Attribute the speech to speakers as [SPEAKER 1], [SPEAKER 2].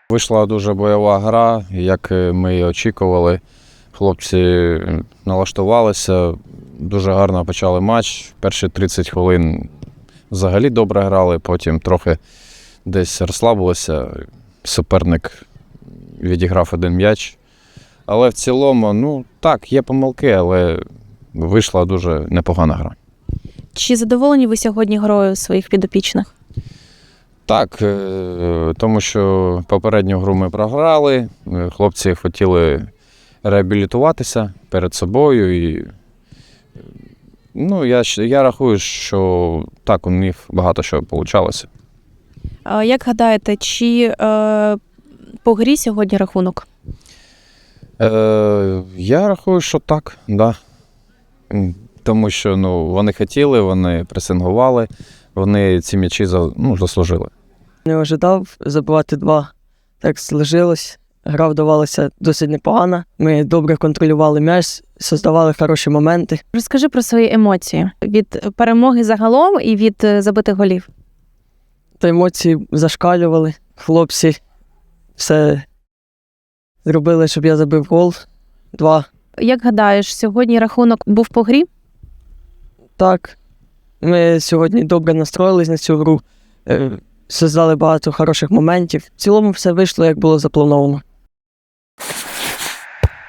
[SPEAKER 1] Вийшла дуже бойова гра, як ми і очікували. Хлопці налаштувалися, дуже гарно почали матч. Перші 30 хвилин взагалі добре грали, потім трохи десь розслабилися. Суперник відіграв один м'яч. Але в цілому, так, є помилки, але вийшла дуже непогана гра.
[SPEAKER 2] Чи задоволені ви сьогодні грою своїх підопічних?
[SPEAKER 1] Так, тому що попередню гру ми програли, хлопці хотіли реабілітуватися перед собою. І, я рахую, що так, у них багато що вийшло.
[SPEAKER 2] Як гадаєте, чи по грі сьогодні рахунок?
[SPEAKER 1] Я рахую, що так, да. Тому що вони хотіли, вони пресингували, вони ці м'ячі заслужили.
[SPEAKER 3] Не ожидав забивати 2. Так сложилось. Гра вдавалася досить непогано. Ми добре контролювали м'яч, создавали хороші моменти.
[SPEAKER 2] Розкажи про свої емоції від перемоги загалом і від забитих голів.
[SPEAKER 3] Та емоції зашкалювали. Хлопці все зробили, щоб я забив гол. 2.
[SPEAKER 2] Як гадаєш, сьогодні рахунок був по грі?
[SPEAKER 3] Так. Ми сьогодні добре настроїлись на цю гру. Создали багато хороших моментів. В цілому все вийшло, як було заплановано.